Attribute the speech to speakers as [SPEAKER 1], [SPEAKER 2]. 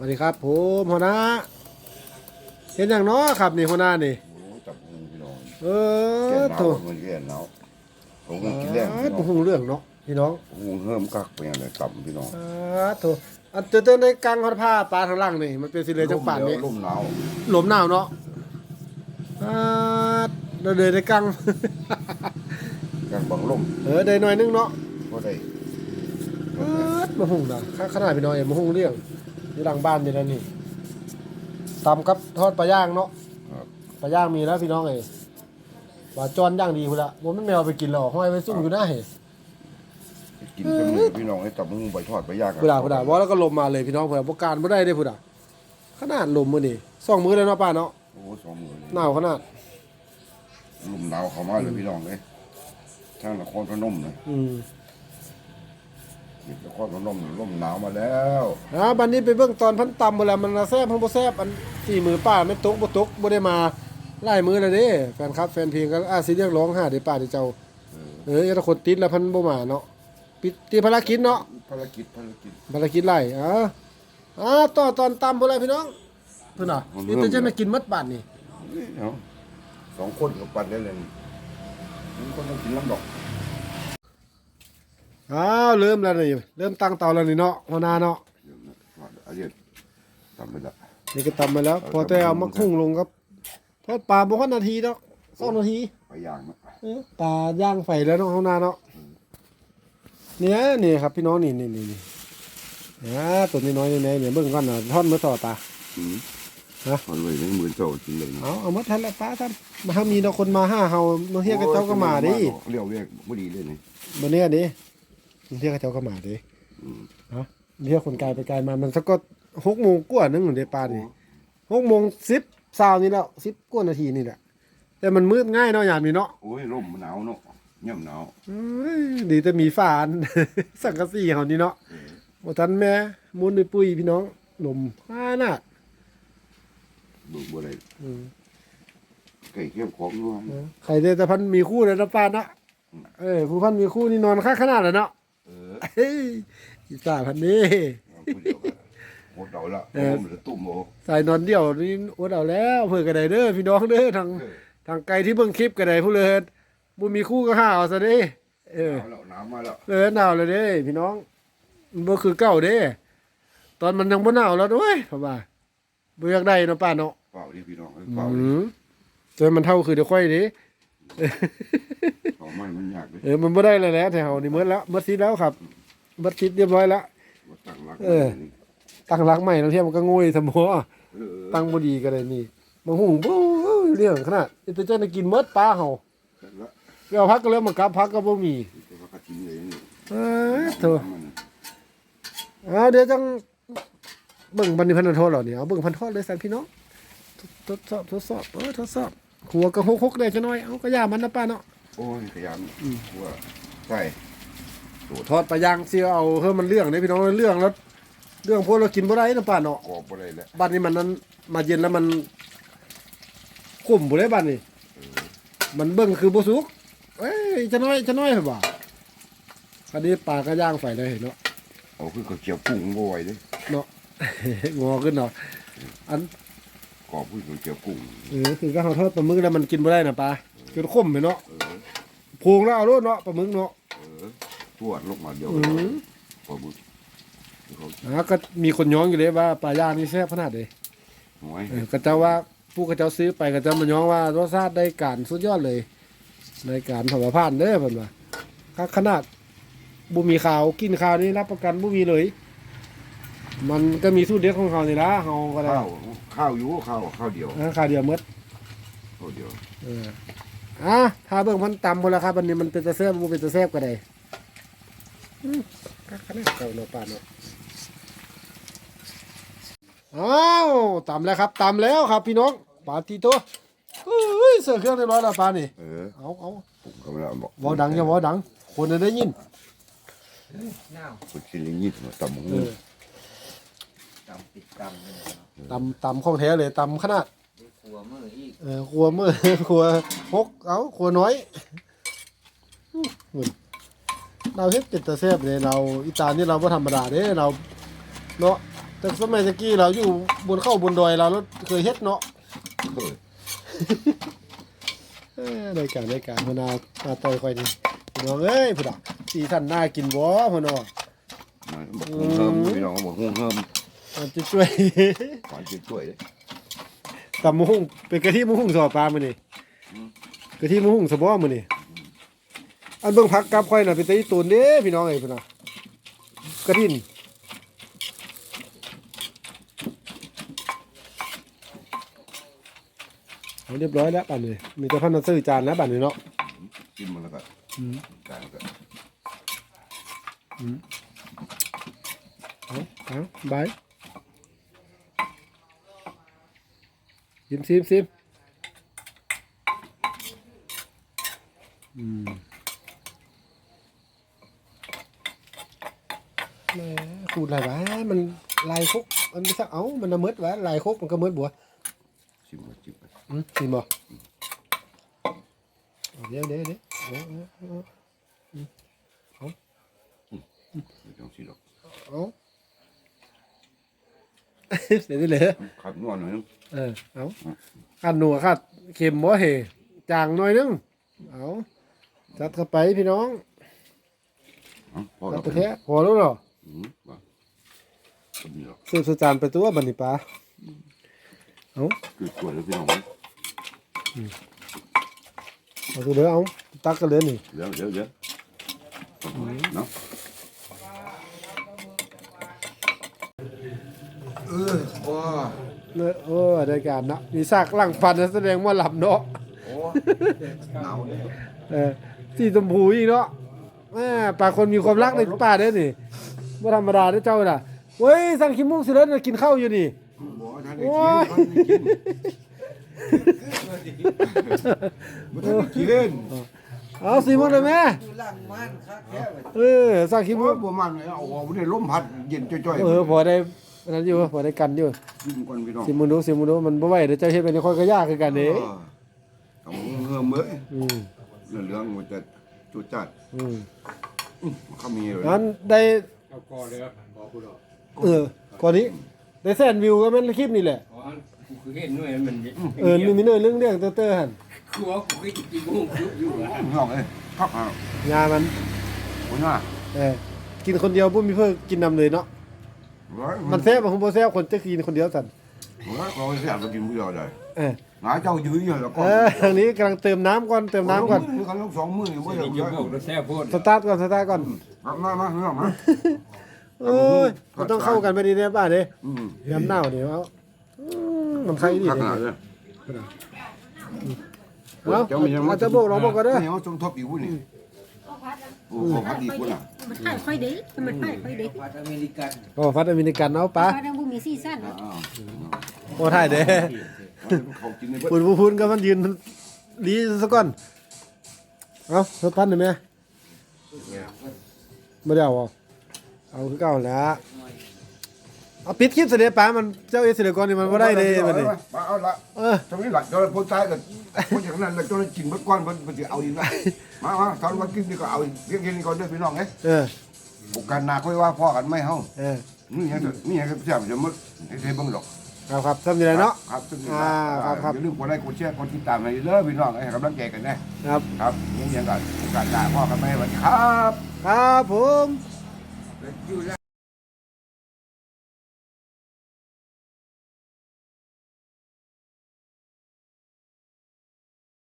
[SPEAKER 1] วัสดีครับผมหัวหน้าเห็นอย่างน้อครับนี่หัวหน้านี่
[SPEAKER 2] โอ้จับงูพี่น้อง
[SPEAKER 1] เอ
[SPEAKER 2] แก่
[SPEAKER 1] อ
[SPEAKER 2] หนาว
[SPEAKER 1] ถูก
[SPEAKER 2] มันแก่หนาวผมก็กินแรงพี่น้อง
[SPEAKER 1] หูเรื่องเนาะพี่น้อง
[SPEAKER 2] งูเฮิ่มกักไปอย่างไรต่ำพี่น้อง
[SPEAKER 1] ถูกอันเตือนในกลางฮอดผ้าปลาทางล่างนี่มันเป็นสิเลยจังป่านนี้
[SPEAKER 2] ลมหนาว
[SPEAKER 1] ลมหนาวเนาะเราเดินในกลาง
[SPEAKER 2] กลางบังลม
[SPEAKER 1] เดินหน่อยนึงเนาะ
[SPEAKER 2] ก็ได้
[SPEAKER 1] มาหุ่งนะขนาดพี่น้อยมาหุ่งเรื่องอยู่หลังบ้านนี่แล้วนี่ตำกับทอดปลาย่างเนาะ
[SPEAKER 2] ครับ
[SPEAKER 1] ปลาย่างมีแล้วพี่น้องเอ้ยว่าจอนย่างดีพุ่นละบ่แม่นแมวไปกินหรอกห้อยไว้ซุ่มอยู่หน้าเห็
[SPEAKER 2] กินเป็นมือพี่น้องให้จับงูไปทอดไปย่างกัน
[SPEAKER 1] พุ่นน่ะว่าแล้วก็ลมมาเลยพี่น้องเพิ่นบ่การบ่ได้เด้พุ่นน่ะขนาดลมมื้อนี้2มื้อแล้วเนาะป้าเนาะ
[SPEAKER 2] โอ้สองมือเลย
[SPEAKER 1] หนาวขนาด
[SPEAKER 2] ลมหนาวเข้ามาเลยพี่น้องเลยทางนครพนมเลย นครพนมลมหนาวมาแล้ว
[SPEAKER 1] บัดนี้ไปเบิ่งตอนพันตำบ่แล้วมันแซ่บบ่แซ่บอันสี่มือป้าไม่ตกบ่ได้มาหลายมื้อแล้วเด้แฟนคลับแฟนเพลงก็สิเรียกร้องหาเด้ป้าเด้เจ้าถ้าคนติดแล้วเพิ่นบ่มาเนาะปิดที่ภารกิจเนาะ
[SPEAKER 2] ภารกิจ
[SPEAKER 1] ไล่ต่อตอนตำบ่แล้วพี่น้องเพิ่นน่ะนี่จะไม่กินหมดบาดนี่
[SPEAKER 2] เอาสองคนกับปั่นได้เลยนี่คนต้องกินลำดอก
[SPEAKER 1] เริ่มแล้วนี่เริ่มตั้งเตาแล้วนี่เนาะหัวหน้าเนาะ
[SPEAKER 2] อาเรียนทำไปละ
[SPEAKER 1] นี่ก็ตำมาแล้ว พอแต่เอามาคุ้งลงครับทอดปลาบ่ฮอดนาทีดอก2นาที
[SPEAKER 2] ไปย่างนะ
[SPEAKER 1] ปลาย่างไฟแล้วเนาะหัวหน้าเนาะเนี่ยนี่ครับพี่น้องนี่ตัวน้อยๆเนี่ยเบิ่งก่อนน่ะทอดมื้อต่อปลา
[SPEAKER 2] เอาเลยในมือเจ้าจริงเลย
[SPEAKER 1] เอามาทันแล้วปลาท่านมาเฮามีเนาะคนมา5เฮาเมื่อเฮียกับเจ้าก็มาดิ
[SPEAKER 2] เรียวเรียกบ่ดีเลยนี่
[SPEAKER 1] บ่เนี่ยดิเฮียกับเจ้าก็มาดิเฮียคนไกลไปไกลมามันสักก็6:00 นกว่านึงเด้ปลานี่6:10 20นี่แล้ว10กว่านาทีนี่แหละแต่มันมืดง่ายเนาะยามนี้เนาะ
[SPEAKER 2] โอ้ยลมหนาวเนาะย่ำหนาว
[SPEAKER 1] ดีแต่มีฝาน สังกะสีเฮานี่เนาะบ่ทันแม่มุนด้วยปุ้ยพี่น้องลมน่ะ
[SPEAKER 2] ดูบ่ได้ไก่เขี้ยวของด้วย
[SPEAKER 1] ใครได้แต่พันมีคู่เลยนะป้านะผู้พันมีคู่นี่นอนค่าขนาดแล้วเนาะเฮ้ยอีสาพันนี้
[SPEAKER 2] หมดเดาละผมจะตุ่มโอ้
[SPEAKER 1] ใส่นอนเดี่ยวนี่อดเอาแล้วเพื่อกระไดเด้อพี่น้องเด้อทางไกลที่เบิ่งคลิปกระไดผู้เลิศบุมีคู่ก็หาเอาซะเด้
[SPEAKER 2] หนาวมาแล้ว
[SPEAKER 1] หนาวเลยเด้พี่น้องมันบ่คือเก่าเด้ตอนมันยังบ่หนาวแล้วด้วยพ่อว่าบ่อยากได้เนาะป้าเนาะ
[SPEAKER 2] เปล่าดิพี่น้องเปล่า
[SPEAKER 1] จนมันเท่าคือเดี๋ยวค่อยดิ
[SPEAKER 2] เขาไม่มันยากเลย
[SPEAKER 1] มันบ่ได้แล้วแหละแถวนี้หมดแล้วหมดซิดแล้วครับหมดซิดเรียบร้อยแล้ว
[SPEAKER 2] ตั้งรัก
[SPEAKER 1] ตั้งรักใหม่แล้วเทียมมันก็งวยสมอตั้งบ่ดีก็ได้นี่บางหุงบ่เรื่องขนาดแต่เจ้าน่ะกินหมดปลาเฮาเอาพักก็แล้วมันกลับพักก็บ่มีโธ่เดี๋ยวจังเบิ่งบันนี้พันธโทษเหล่านี้เอาเบิ่งพันธโทษเลยสั่นพี่น้องทดสอบทดสอบหัวก็ฮกๆได้จังน้อยเอาก็ย่ามันนะป้าเนาะ
[SPEAKER 2] โอ้ยขยันว่าใช่
[SPEAKER 1] ทอดปลาย่างสิเอาเฮ้มันเรื่องเด้พี่น้องเรื่องแล้วเรื่องพวกเรากินบ่ได้นะป้าเนาะ
[SPEAKER 2] กรอบบ่ได้แล้ว
[SPEAKER 1] บ้านนี้มันนั้นมาเย็นแล้วมันขุ่มบ่ได้บ้านนี้มันเบิ่งคือบ่สุกจะน้อยเหรอบ่อันนี้ปลาก็ย่างไฟเลยเนาะ
[SPEAKER 2] เอาคือเขาเจียวกุ้งบ่ไหวเลย
[SPEAKER 1] เนาะ งอขึ้นเนาะอัน
[SPEAKER 2] กรอบคือเขาเจียวกุ้ง
[SPEAKER 1] คือก็เฮาทอดปลาหมึกแล้วมันกินบ่ได้นะปลาจนขมไปเนาะโพงแล้วเอาโลดเนาะปลาหมึกเนาะ
[SPEAKER 2] ทวดลงมาเดียวปลาบึก
[SPEAKER 1] ก็มีคนย้องอยู่เลยว่าปลาย่างนี่แซ่บขนาดใด
[SPEAKER 2] หวย
[SPEAKER 1] ก็เจ้าว่าผู้เขาเจ้าซื้อไปก็เจ้ามาย้องว่ารสชาติได้การสุดยอดเลยในการถวายผ่านเด้อเพิ่นว่าขนาดบ่มีข่าวกินข่าวนี่รับประกันบ่มีเลย มันก็มีสูตรเด็ดของเขานี่ล่ะเฮาก็ได้
[SPEAKER 2] ข้าวอยู่ข้าวเดียว
[SPEAKER 1] ข่าวเดียวหมด
[SPEAKER 2] ข้าวเดียว
[SPEAKER 1] ถ้าเบิ่งมันต่ำพุ่นล่ะครับอันนี้มันเป็นตะแซ่บบ่เป็นตะแซ่บก็ได้ขนาดเก่าเนาะป้าเนาะต่ำแล้วครับต่ำแล้วครับพี่น้องปาติโตเสิร์ฟเครื่องเรียบร้อยแล้วปลานี่เอา
[SPEAKER 2] ผมก็ไม่ได้บอก
[SPEAKER 1] วอดังอย่าวอดังคนจะได้ยิน
[SPEAKER 2] คนกินลิ้นยิบตำงู
[SPEAKER 1] ตำของแท้เลยตำขนาด
[SPEAKER 3] ขัวมืออีก
[SPEAKER 1] ครัวมือ ครัวฮกครัวน้อยเราเฮ็ดเป็นตะแซ่บเลยเราอีตานี่เราบ่ธรรมดาเด้เราเนาะแต่สมัยตะกี้เราอยู่บนเข้าบนดอยเราแล้วเคยเฮ็ดเนาะ
[SPEAKER 2] เออ
[SPEAKER 1] ได้การพนาต่อยค่อยนี่พี่น้องเอ้ยพุ่นน่ะสีสันน่ากินบ่พุ่นน่ะ
[SPEAKER 2] บอกหุ่งเฮิมพี่น้องบอกหุ่งเฮิม
[SPEAKER 1] มันจะช่วย
[SPEAKER 2] หวานจะช่วยเลย
[SPEAKER 1] ตำมะฮุ่งเป็นกะทิมะฮุ่งสอปลามื้อนี่กะทิมะฮุ่งสะบ่มื้อนี่อันเบิ่งผักกับค่อยน่ะเป็นตะอีตูนเด้พี่น้องเอ้ยพุ่นน่ะกระทินเอาเรียบร้อยแล้วบัดนี้มีแต่พันธุ์ซื้อจานแล้วบัดนี้เนาะ
[SPEAKER 2] กินมันแล้วก็จางก็
[SPEAKER 1] เอาบายซิมแหมขูดอะไรวะมันลายคุกมันไม่สักเอามันน่ะมืดวะลายคุกมันก็มืดบัว
[SPEAKER 2] ชิมมาชิมไป
[SPEAKER 1] ซิมบ่เอาเดี๋ยว
[SPEAKER 2] ไม่ต้องชิมหรอก
[SPEAKER 1] เอาเดี๋ยวนี้เลย
[SPEAKER 2] ขัดนวดหน่อยนึง
[SPEAKER 1] เอาขัดหนัวขัดเค็มบ่เหจางหน่อยนึงเอาจัดเข้าไปพี่น้อง
[SPEAKER 2] พอ
[SPEAKER 1] จั
[SPEAKER 2] แล้
[SPEAKER 1] ด
[SPEAKER 2] ว
[SPEAKER 1] ไปแท้พอแล้วเหรอ
[SPEAKER 2] มาคนนี้หรอก
[SPEAKER 1] ซื้อสุจานไปตัวบันนี่ปลาเอา
[SPEAKER 2] คือช่วยแล้วพี่น้อง
[SPEAKER 1] เอาตัวเด้อเอาตักกันเลยนี่
[SPEAKER 2] เดี๋ยวเนาะว้า
[SPEAKER 1] เนี่ยโอ้ได้การนะมีซากล่างฟันนะแสดงว่าหลับเนาะ
[SPEAKER 2] โอ้หนาวเลย
[SPEAKER 1] สีชมพูอีกเนาะแม่ปลาคนมีความรักในป่าเด้อนี่ไม่ธรรมดาเด้อเจ้าน่ะเว้ยสั่งขี้มุกสิเด้อกินข้าวอยู่นี่
[SPEAKER 2] บอกท่าน
[SPEAKER 1] โอ้ย
[SPEAKER 2] ได้กิน
[SPEAKER 1] เอาสีมุกเลยแม่สั่งขี้มุก
[SPEAKER 2] บัวมันเอาออกได้ลมพัดเย็นจ่อย
[SPEAKER 1] พอได้นั้นอยู่พอได้กันอยู่
[SPEAKER 2] กินก่อนพี่น้อง
[SPEAKER 1] สิมึงดูมันบ่ไหวเดี๋ยวเจ้าเฮ็ดไปในค่อยก็ยากคือกันเด้
[SPEAKER 2] เอาเงื่อมเอ้ย
[SPEAKER 1] อืม
[SPEAKER 2] เรื่องมันจะจุดจัดเขามีเลย
[SPEAKER 1] นั้นได้
[SPEAKER 3] เอากอเลยครับบอกกูหรอก
[SPEAKER 1] ก่อนนี้ได้แสนวิวก็แม่นคลิปนี่แหละ
[SPEAKER 3] อ๋อกูคือเห็นหน่วยมัน
[SPEAKER 1] มีเนื้อเรื่องเตอร์หั่น
[SPEAKER 3] กูว่ากูเคยกินกุ้งยุบอยู่อ่ะ
[SPEAKER 2] พี่น้องเอ้ยครับอ่ะ
[SPEAKER 1] งามัน
[SPEAKER 2] คุณว่า
[SPEAKER 1] กินคนเดียวบ่มีเพิ่นกินนำเลยเนาะมันแซ่บบ่ฮู้บ่แซ่บคนจะกินคนเดียวสั่น
[SPEAKER 2] เราแซ่บเรากินผู้เดียวได้
[SPEAKER 1] เออ
[SPEAKER 2] หาเจ้ายื้ออยู่แล้วก็
[SPEAKER 1] ทางนี้กำลังเติมน้ำก่อน
[SPEAKER 2] มือกันลูก2มื้อบ่ได้
[SPEAKER 3] นี่จะบอกเราแซ่บโพด
[SPEAKER 1] สตาร์ทก่อน
[SPEAKER 2] มาพี่น้องมา
[SPEAKER 1] โอ้ยมันต้องเข้ากันไปดีแน่ป่ะเด้ยามหนาวนี่เอามันใครดี
[SPEAKER 2] ขนาดเลย
[SPEAKER 1] เอาจะบอกเราบอกกันเด้อ
[SPEAKER 2] นี่เขาสมทบอีกวุ้นนี่โอ้พัดดีกุ่นอ่ะ
[SPEAKER 4] มันถ่ายค่อยดีมันถ่ายค่อยดี
[SPEAKER 3] พัดอเมริกัน
[SPEAKER 1] โอ้ฟัดอเมริกันเอาปะ
[SPEAKER 4] เพราะนั้นบุมีซีซั่น
[SPEAKER 1] โอ้ถ่ายเด้
[SPEAKER 2] เขากินใน
[SPEAKER 1] พูนก็มันยืนลีซะก่อนเอาเพิ่มพันหน่อยไหมไม่ได้เอาคือเก่าแล้วเอาปิดคลิปเสด็จป้ามันเจ้าเอเสด็จก่อนนี่มันก็ได้เลยมันนี่
[SPEAKER 2] มาเอาละตรงนี้หลักเราพ้นซ้ายกันพ้นจากนั้นเราจะกินเมื่อก้อนมันจะเอาอีกแล้วมาตอนวันกินนี่ก็เอาเพียงนี้ก่อนด้วยพี่น้องเอ้ยโอกาสหน้าค่อยว่าพ่อกันไม่เฮานี่ยังก็แซ่บจะมึกให้เบิ่งดอก
[SPEAKER 1] ครับทำยังไงเนาะ
[SPEAKER 2] ครับ
[SPEAKER 1] ครับ
[SPEAKER 2] อย่าลืมกดไลค์กดแชร์กดติดตามให้เด้อพี่น้องให้กำลังใจกันนะครับ ครับยังกันโอกาสหน้าพ่อกันไม่สวัสดีครับ
[SPEAKER 1] ครับผม
[SPEAKER 3] อยู่แล้ว